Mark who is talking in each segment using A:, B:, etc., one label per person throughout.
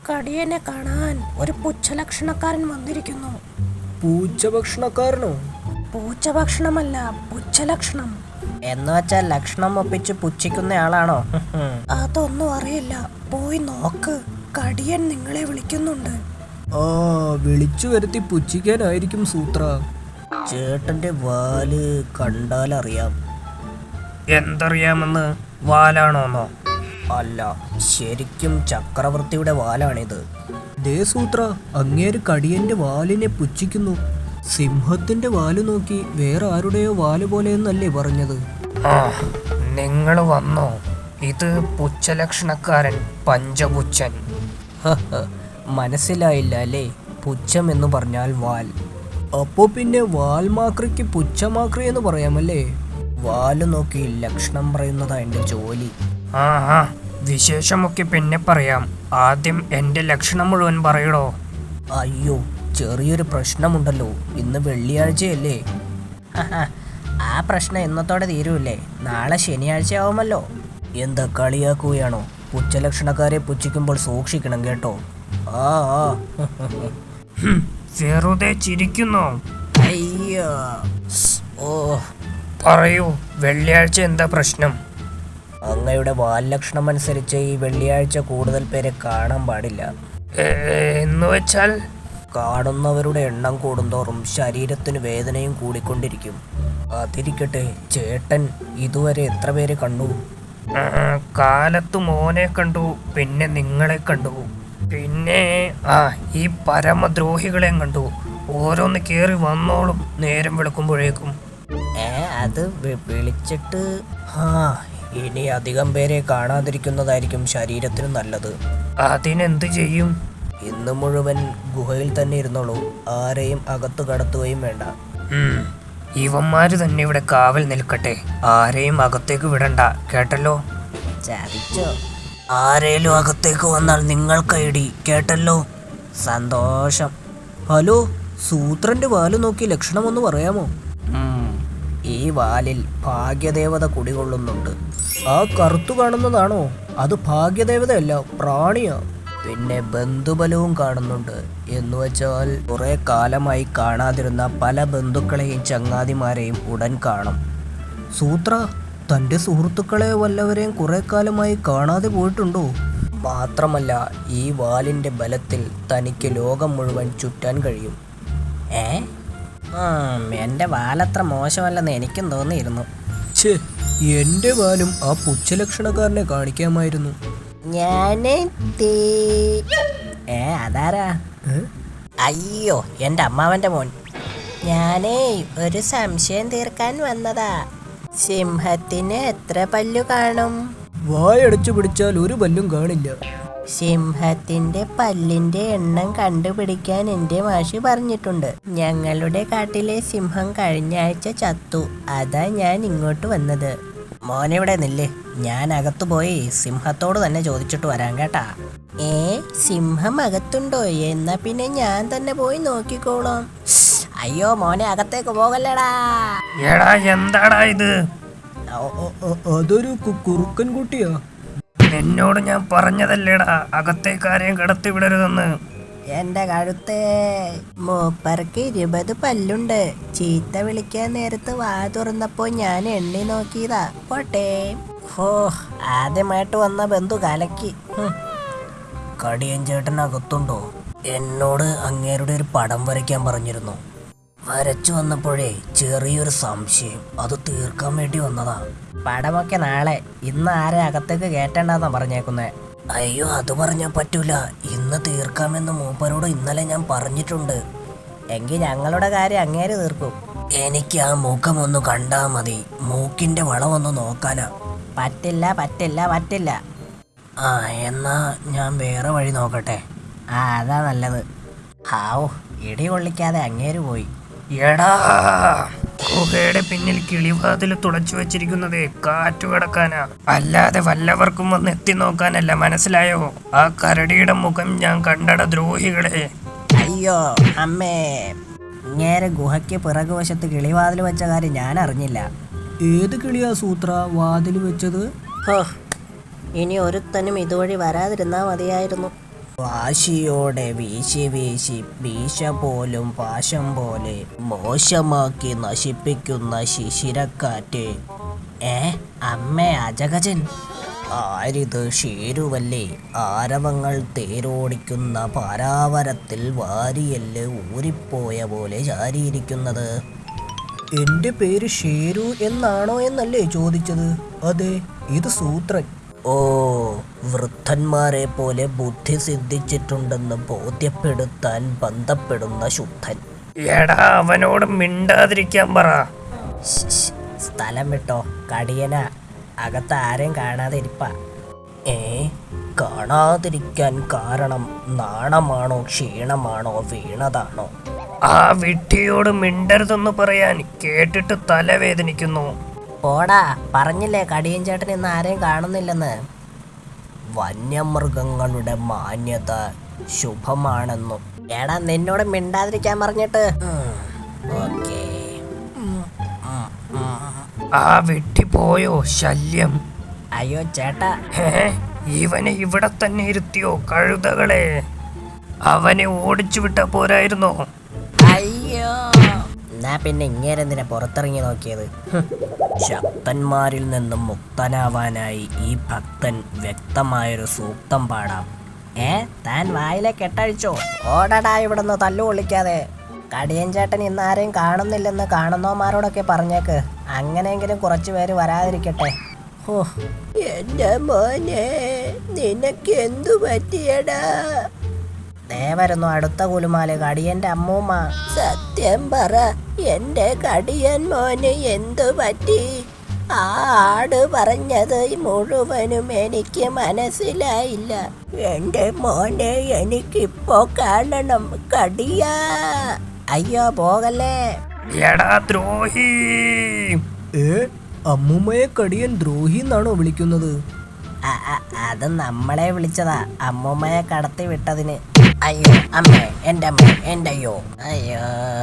A: കടിയനെ കാണാൻ ഒരു പുച്ഛലക്ഷണക്കാരൻ വന്നിരിക്കുന്നു.
B: പൂച്ചഭക്ഷണക്കാരനോ?
A: പൂച്ചഭക്ഷണമല്ല, പുച്ഛലക്ഷണം.
B: എന്ന് വെച്ചാൽ ലക്ഷണം ഒപ്പിച്ച് പുച്ഛിക്കുന്നയാളാണോ?
A: അതൊന്നും അറിയില്ല, പോയി നോക്ക്. കടിയൻ നിങ്ങളെ വിളിക്കുന്നുണ്ട്.
B: ആ, വിളിച്ചു വരുത്തി പുച്ഛിക്കാനായിരിക്കും സൂത്ര. ചേട്ടന്റെ വാല് കണ്ടാലറിയാം. എന്തറിയാമെന്ന്? വാലാണോന്നോ? അല്ല, ശരിക്കും ചക്രവർത്തിയുടെ വാലാണിത്. ദേ സൂത്ര, അങ്ങേര് കടിയന്റെ വാലിനെ പുച്ഛിക്കുന്നു. സിംഹത്തിന്റെ വാല് നോക്കി വേറെ ആരുടെയോ വാല് പോലെയെന്നല്ലേ പറഞ്ഞത്? ആ, നിങ്ങൾ വന്നോ? ഇത് പുച്ഛലക്ഷണക്കാരൻ പഞ്ചപുച്ഛൻ. മനസ്സിലായില്ല അല്ലേ? പുച്ഛം എന്ന് പറഞ്ഞാൽ വാൽ. അപ്പോ പിന്നെ വാൽമാക്രിക്ക് പുച്ഛമാക്രി എന്ന് പറയാമല്ലേ? വാല് നോക്കി ലക്ഷണം പറയുന്നതാ എന്റെ ജോലി. ആ, വിശേഷമൊക്കെ പിന്നെ പറയാം. ആദ്യം എന്റെ ലക്ഷണം മുഴുവൻ പറയടോ. അയ്യോ, ചെറിയൊരു പ്രശ്നമുണ്ടല്ലോ. ഇന്ന് വെള്ളിയാഴ്ചയല്ലേ? ആ പ്രശ്നം ഇന്നത്തോടെ തീരൂല്ലേ? നാളെ ശനിയാഴ്ച ആവുമല്ലോ. എന്താ കളിയാക്കുകയാണോ? പുച്ഛലക്ഷണക്കാരെ പുച്ഛിക്കുമ്പോൾ സൂക്ഷിക്കണം കേട്ടോ. ആ, വെറുതെ ചിരിക്കുന്നോ? അയ്യോ, ഓ, പറയൂ, വെള്ളിയാഴ്ച എന്താ പ്രശ്നം? അങ്ങയുടെ വാല്ലക്ഷണം അനുസരിച്ച് ഈ വെള്ളിയാഴ്ച കൂടുതൽ പേരെ കാണാൻ പാടില്ല. എന്ന് വെച്ചാൽ? കാണുന്നവരുടെ എണ്ണം കൂടുന്തോറും ശരീരത്തിന് വേദനയും കൂടിക്കൊണ്ടിരിക്കും. അതിരിക്കട്ടെ, ചേട്ടൻ ഇതുവരെ എത്ര പേരെ കണ്ടു? കാലത്ത് മോനെ കണ്ടു, പിന്നെ നിങ്ങളെ കണ്ടു, പിന്നെ ഈ പരമദ്രോഹികളെ കണ്ടു. ഓരോന്ന് കേറി വന്നോളും നേരം വെളുക്കുമ്പോഴേക്കും. അത് വിളിച്ചിട്ട് ഇനി അധികം പേരെ കാണാതിരിക്കുന്നതായിരിക്കും ശരീരത്തിന് നല്ലത്. അതിനെന്ത് ചെയ്യും? ഇന്ന് മുഴുവൻ ഗുഹയിൽ തന്നെ ഇരുന്നോളൂ. ആരെയും അകത്ത് കടത്തുകയും വേണ്ട. ഇവന്മാര് തന്നെ ഇവിടെ കാവൽ നിൽക്കട്ടെ. ആരെയും അകത്തേക്ക് വിടണ്ട, കേട്ടല്ലോ? ചതിച്ചോ? ആരേലും അകത്തേക്ക് വന്നാൽ നിങ്ങൾക്ക് ഐഡി, കേട്ടല്ലോ? സന്തോഷം. ഹലോ, സൂത്രന്റെ വാല് നോക്കി ലക്ഷണമൊന്ന് പറയാമോ? ഈ വാലിൽ ഭാഗ്യദേവത കുടികൊള്ളുന്നുണ്ട്. ആ കറുത്തു കാണുന്നതാണോ? അത് ഭാഗ്യദേവതയല്ല, പ്രാണിയാ. പിന്നെ ബന്ധുബലവും കാണുന്നുണ്ട്. എന്ന് വെച്ചാൽ കുറെ കാലമായി കാണാതിരുന്ന പല ബന്ധുക്കളെയും ചങ്ങാതിമാരെയും ഉടൻ കാണും. സൂത്ര, തൻ്റെ സുഹൃത്തുക്കളെ വല്ലവരെയും കുറെ കാലമായി കാണാതെ പോയിട്ടുണ്ടോ? മാത്രമല്ല, ഈ വാലിൻ്റെ ബലത്തിൽ തനിക്ക് ലോകം മുഴുവൻ ചുറ്റാൻ കഴിയും. എൻ്റെ വാലത്ര മോശമല്ലെന്ന് എനിക്കും തോന്നിയിരുന്നു. എൻ്റെ വാലും ആ പുച്ഛലക്ഷണക്കാരനെ കാണിക്കാമായിരുന്നു. അതാരാ? അയ്യോ, എൻ്റെ അമ്മാവൻ്റെ മോൻ. ഞാനേ ഒരു സംശയം തീർക്കാൻ വന്നതാ. സിംഹത്തിന് എത്ര പല്ലു കാണും? വായടച്ചു പിടിച്ചാൽ ഒരു പല്ലും കാണില്ല. സിംഹത്തിന്റെ പല്ലിന്റെ എണ്ണം കണ്ടുപിടിക്കാൻ എൻ്റെ മാഷി പറഞ്ഞിട്ടുണ്ട്. ഞങ്ങളുടെ കാട്ടിലെ സിംഹം കഴിഞ്ഞ ആഴ്ച ചത്തു. അതാ ഞാൻ ഇങ്ങോട്ട് വന്നത്. മോനിവിടെ നില്ലേ, ഞാൻ അകത്തു പോയി സിംഹത്തോട് തന്നെ ചോദിച്ചിട്ട് വരാം കേട്ടാ. സിംഹം അകത്തുണ്ടോ? എന്നാ പിന്നെ ഞാൻ തന്നെ പോയി നോക്കിക്കോളാം. അയ്യോ മോനെ, അകത്തേക്ക് പോകല്ലേടാ. എന്താടാ ഇത്? അതൊരു കുറുക്കൻ കുട്ടിയാ. എന്നോട് ഞാൻ പറഞ്ഞതല്ലേടാ അകത്തേക്കാരെയും കടത്തി വിടരുതെന്ന്. എന്റെ കഴുത്തേ, മൂപ്പർക്ക് 20 പല്ലുണ്ട്. ചീത്ത വിളിക്കാൻ നേരത്ത് വാ തുറന്നപ്പോ ഞാൻ എണ്ണി നോക്കിയതാ. പോട്ടെ. ആദ്യമായിട്ട് വന്ന ബന്ധു കലക്കി. കടിയൻ ചേട്ടൻ അകത്തുണ്ടോ? എന്നോട് അങ്ങേരുടെ ഒരു പടം വരയ്ക്കാൻ പറഞ്ഞിരുന്നു. വരച്ചു വന്നപ്പോഴേ ചെറിയൊരു സംശയം, അത് തീർക്കാൻ വേണ്ടി വന്നതാ. പടമൊക്കെ നാളെ. ഇന്ന് ആരെ അകത്തേക്ക് കേട്ടണ്ടെന്നാ പറഞ്ഞേക്കുന്നേ. അയ്യോ, അത് പറഞ്ഞാൽ പറ്റൂല. ഇന്ന് തീർക്കാമെന്ന് മൂപ്പരോട് ഇന്നലെ ഞാൻ പറഞ്ഞിട്ടുണ്ട്. എങ്കിൽ ഞങ്ങളുടെ കാര്യം അങ്ങേര് തീർക്കും. എനിക്ക് ആ മുഖം ഒന്ന് കണ്ടാ മതി. മൂക്കിന്റെ വളമൊന്ന് നോക്കാനാ. പറ്റില്ല പറ്റില്ല പറ്റില്ല. എന്നാ ഞാൻ വേറെ വഴി നോക്കട്ടെ. അതാ നല്ലത്. ഇടി കൊള്ളിക്കാതെ അങ്ങേര് പോയി. എടാ, ഗുഹയുടെ പിന്നിൽ കിളിവാതിൽ തുളച്ചു വെച്ചിരിക്കുന്നതേ കാറ്റു കിടക്കാനാ, അല്ലാതെ വല്ലവർക്കും വന്ന് എത്തി നോക്കാനല്ല. മനസ്സിലായോ? ആ കരടിയുടെ മുഖം ഞാൻ കണ്ടട ദ്രോഹികളെ. അയ്യോ അമ്മേ, ഇങ്ങേരെ ഗുഹയ്ക്ക് പിറകുവശത്ത് കിളിവാതിൽ വെച്ച കാര്യം ഞാൻ അറിഞ്ഞില്ല. ഏത് കിളിയാ സൂത്ര വാതിൽ വെച്ചത്? ഇനി ഒരുത്തനും ഇതുവഴി വരാതിരുന്നാ മതിയായിരുന്നു. വാശിയോടെ വീശി വീശി വീശ പോലും പാശം പോലെ മോശമാക്കി നശിപ്പിക്കുന്ന ശിശിരക്കാറ്റ്. അമ്മേ അജഗജൻ, ആരിത്? ഷേരുവല്ലേ? ആരവങ്ങൾ തേരോടിക്കുന്ന പാരാവരത്തിൽ വാരിയല് ഊരിപ്പോയ പോലെ ചാരിയിരിക്കുന്നത്. എന്റെ പേര് ഷേരു എന്നാണോ എന്നല്ലേ ചോദിച്ചത്? അതെ, ഇത് സൂത്രൻ. ഓ, വൃദ്ധന്മാരെ പോലെ ബുദ്ധി സിദ്ധിച്ചിട്ടുണ്ടെന്ന് ബോധ്യപ്പെടുത്താൻ ബന്ധപ്പെടുന്ന ശുദ്ധൻ.
C: എടാ, അവനോട് മിണ്ടാതിരിക്കാൻ പറ.
B: സ്ഥലം വിട്ടോ, കടിയന. അകത്ത് ആരെയും കാണാതെ ഇരിപ്പ. കാണാതിരിക്കാൻ കാരണം നാണമാണോ, ക്ഷീണമാണോ, വീണതാണോ?
C: ആ വിഡ്ഢിയോട് മിണ്ടരുതെന്ന് പറയാൻ കേട്ടിട്ട് തലവേദനിക്കുന്നു.
B: പോടാ, പറഞ്ഞില്ലേ കടിയൻ ചേട്ടൻ ഇന്ന് ആരെയും കാണുന്നില്ലെന്ന്. വന്യമൃഗങ്ങളുടെ മാന്യത ശുഭമാണെന്നും. എടാ, നിന്നോട് മിണ്ടാതിരിക്കാൻ പറഞ്ഞിട്ട്. ഓക്കേ.
C: ആ വിഡ്ഢി പോയോ? ശല്യം.
B: അയ്യോ ചേട്ടാ.
C: ഇവനെ ഇവിടെ തന്നെ ഇരുത്തിയോ കഴുതകളെ? അവനെ ഓടിച്ചു വിട്ടാ പോരായിരുന്നോ?
B: അയ്യോ, എന്നാ പിന്നെ ഇങ്ങേരെന്തിനാ പുറത്തിറങ്ങി നോക്കിയത്? ശക്തന്മാരിൽ നിന്നും മുക്തനാവാനായി ഈ ഭക്തൻ വ്യക്തമായൊരു സൂക്തം പാടാം. താൻ വായിലെ കെട്ടഴിച്ചോ? ഓടടാ ഇവിടുന്ന്, തല്ലു കൊള്ളിക്കാതെ. കടിയൻ ചേട്ടൻ ഇന്ന് ആരെയും കാണുന്നില്ലെന്ന് കാണുന്നവന്മാരോടൊക്കെ പറഞ്ഞേക്ക്. അങ്ങനെയെങ്കിലും കുറച്ചു പേര് വരാതിരിക്കട്ടെ. ഓ, എന്റെ മോനെ, നിനക്ക് എന്തു പറ്റിയടാ? വരുന്നു അടുത്ത കുലുമാല്, കടിയന്റെ അമ്മൂമ്മ. സത്യം പറ, എന്റെ കടിയൻ മോന് എന്തു പറ്റി? ആ ആട് പറഞ്ഞത് മുഴുവനും എനിക്ക് മനസ്സിലായില്ല. എന്റെ മോനെ എനിക്കിപ്പോ കാണണം കടിയാ. അയ്യോ, പോകല്ലേ.
C: എടാ ദ്രോഹി!
B: അമ്മൂമ്മയെ കടിയൻ ദ്രോഹി എന്നാണോ വിളിക്കുന്നത്? അത് നമ്മളെ വിളിച്ചതാ, അമ്മൂമ്മയെ കടത്തി വിട്ടതിന്. അയ്യോ അമ്മേ, എൻ്റെ അമ്മ, എൻ്റെ അയ്യോ, അയ്യോ.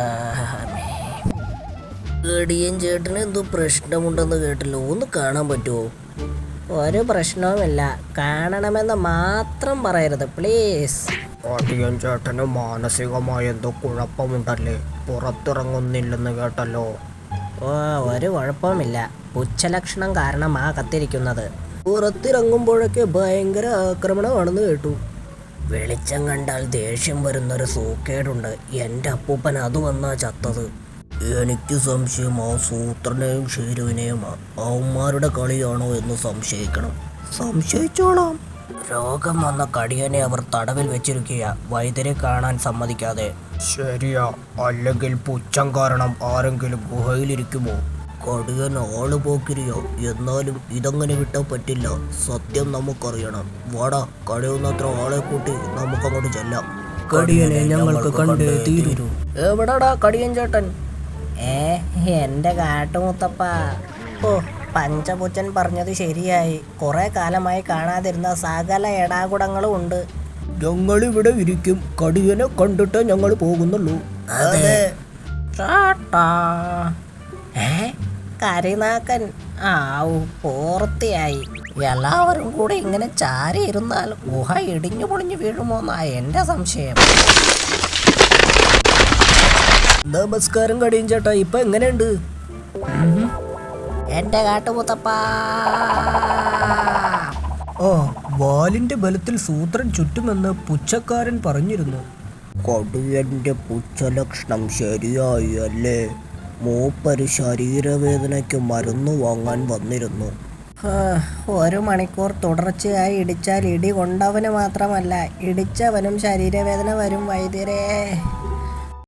B: കടിയൻ ചേട്ടന് എന്തോ പ്രശ്നമുണ്ടെന്ന് കേട്ടല്ലോ, ഒന്ന് കാണാൻ പറ്റുമോ? ഒരു പ്രശ്നവുമില്ല, കാണണമെന്ന് മാത്രം പറയരുത് പ്ലീസ്.
D: കടിയൻ ചേട്ടന് മാനസികമായ എന്തോ കുഴപ്പമുണ്ടല്ലേ, പുറത്തിറങ്ങുന്നില്ലെന്ന് കേട്ടല്ലോ.
B: ഓ, ഒരു കുഴപ്പവുമില്ല, പുച്ഛലക്ഷണം കാരണമാ കത്തിരിക്കുന്നത്. പുറത്തിറങ്ങുമ്പോഴൊക്കെ ഭയങ്കര ആക്രമണമാണെന്ന് കേട്ടു. വെളിച്ചം കണ്ടാൽ ദേഷ്യം വരുന്നൊരു സൂക്കേടുണ്ട്. എൻ്റെ അപ്പൂപ്പൻ അത് വന്നാ ചത്തത്. എനിക്ക് സംശയം ആ സൂത്രനെയും ഷേരുവിനെയും അവന്മാരുടെ കളിയാണോ എന്ന് സംശയിക്കണം. സംശയിച്ചോളാം. രോഗം വന്ന കടിയനെ അവർ തടവിൽ വെച്ചിരിക്കുക, വൈദ്യരെ കാണാൻ സമ്മതിക്കാതെ.
D: ശരിയാ, അല്ലെങ്കിൽ പുച്ഛം കാരണം ആരെങ്കിലും ഗുഹയിലിരിക്കുമോ?
B: കടിയൻ ആള് പോക്കിരിയോ, എന്നാലും ഇതങ്ങനെ വിട്ടാൽ പറ്റില്ല. സത്യം നമുക്കറിയണം. വാടാ, കഴിയുന്നത്ര ആളെ കൂട്ടി നമുക്കങ്ങോട്ട് ചെല്ലാം. കടിയനെ ഞങ്ങൾക്ക് കണ്ടേ തീരൂ. എവിടാടാ കടിയൻ ചേട്ടൻ? എന്റെ കാട്ടുമുത്തപ്പ. ഓ, പഞ്ചപുച്ചൻ പറഞ്ഞത് ശരിയായി. കുറെ കാലമായി കാണാതിരുന്ന സകല എടാകുടങ്ങളും ഉണ്ട്.
D: ഞങ്ങളിവിടെ ഇരിക്കും, കടിയനെ കണ്ടിട്ട് ഞങ്ങൾ പോകുന്നുള്ളൂ.
B: അതെ. കരിനാക്കൻ. ആവു, പൂർത്തിയായി. എല്ലാവരും കൂടെ ഇങ്ങനെ ചാരി ഇരുന്നാൽ ഗുഹ ഇടിഞ്ഞു പൊളിഞ്ഞു വീഴുമോന്നാ എന്റെ സംശയം.
D: നമസ്കാരം കടിയൻ ചേട്ടാ, ഇപ്പൊ എങ്ങനെയുണ്ട്?
B: എന്റെ കാട്ടുമുത്തപ്പ.
D: ആ, വാലിന്റെ ബലത്തിൽ സൂത്രൻ ചുറ്റുമെന്ന് പുച്ഛക്കാരൻ പറഞ്ഞിരുന്നു.
B: കടിയന്റെ പുച്ഛലക്ഷണം ശരിയായി അല്ലേ? മൂപ്പര് ശരീരവേദനയ്ക്ക് മരുന്ന് വാങ്ങാൻ വന്നിരുന്നു. 1 മണിക്കൂർ തുടർച്ചയായി ഇടിച്ചാൽ ഇടി കൊണ്ടവന് മാത്രമല്ല, ഇടിച്ചവനും ശരീരവേദന വരും വൈദ്യരേ.